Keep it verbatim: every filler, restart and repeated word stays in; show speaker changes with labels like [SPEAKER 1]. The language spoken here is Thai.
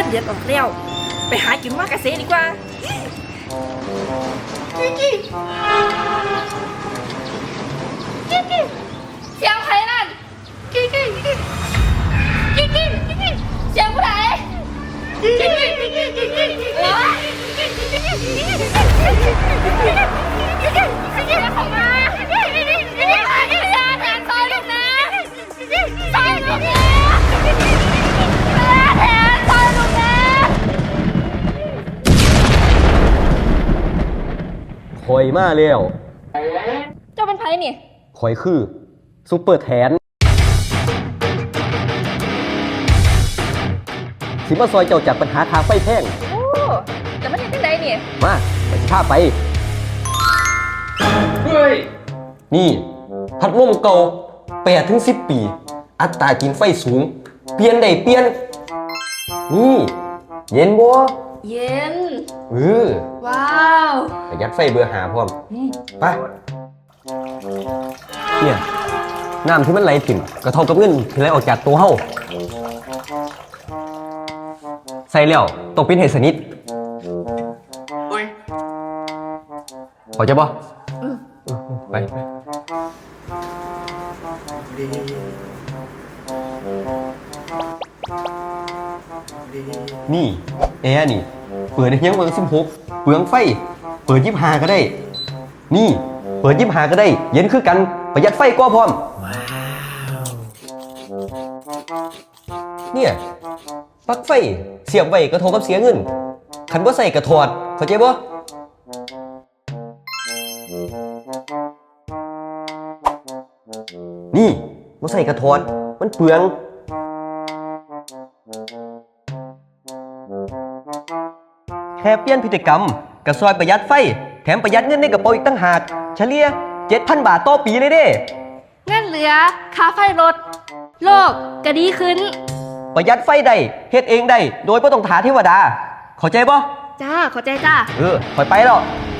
[SPEAKER 1] นเดือนออกแล้วไปหากินมากระเซดีกว่ากิ๊กกิ๊กกิ๊กกิ๊กเสียงใครนั่นกิ๊กกิ๊กกิ๊กกิ๊กกิ๊กกิ๊กเสียงผู้ใดกิ๊กกิ๊กกิ๊กกิ๊กกิ๊กกิ๊กเออกิ๊กกิ๊กกิ๊กกิ๊กกิ๊กกิ๊กกิ๊กกิ๊กกิ๊กเข้ามากิ๊กกิ๊กกิ๊กกิ๊กกิ๊กแทนซอยลูกนะซอยลูกนะแทนซอยลูกนะ
[SPEAKER 2] ข่อยมาแล้ว
[SPEAKER 1] เจ้าเป็นไผนี่
[SPEAKER 2] ข่อยคือซุปเปอร์แทนสิมาซอยเจ้าจากปัญหาค่าไฟแพง
[SPEAKER 1] โอ้แต่มันเห็นที่ไหนนี่
[SPEAKER 2] มาไปสิพาไป
[SPEAKER 3] เฮ้ย
[SPEAKER 2] นี่พัดลมเก่าแปดถึงสิบปีอัตรากินไฟสูงเปลี่ยนได้เปลี่ยนนี่เย็นบ่
[SPEAKER 1] เย็น
[SPEAKER 2] เออ
[SPEAKER 1] ว้าว
[SPEAKER 2] ประหยัดไฟเบอร์หาพร้อมไปเนี่ยน้ำที่มันไหลถิ่มกระทบกับเงินที่ไหลออกจากตัวเฮาใส่แล้วต้องปิดให้สนิทเข้าใจบ่ไปไปนี่แอร์นี่เปิดได้เพียงเบอร์สิบหกเปลืองไฟเปิดยี่สิบห้าก็ได้นี่เปิดยี่สิบห้าก็ได้เย็นคือกันประหยัดไฟกว่าพร้อมเนี่ยปลั๊กไฟเสียบไว้กระทบกับเสียเงินคันบ่ใส่กระถอดเข้าใจบ่นี่บ่ใส่กระถอดมันเปลืองแค่เปลี่ยนพฤติกรรมกระซอยประหยัดไฟแถมประหยัดเงินในกระเป๋าอีกตั้งหากเฉลี่ย เจ็ดพัน บาทต่อปีเลยเด้
[SPEAKER 1] เงินเหลือค่าไฟลดโลกก็ดีขึ้น
[SPEAKER 2] ประหยัดไฟได้เฮ็ดเองได้โดยบ่ต้องถาเทวดาเข้าใจบ่
[SPEAKER 1] จ้าเข้าใจจ้า
[SPEAKER 2] เออค่อยไปแล้ว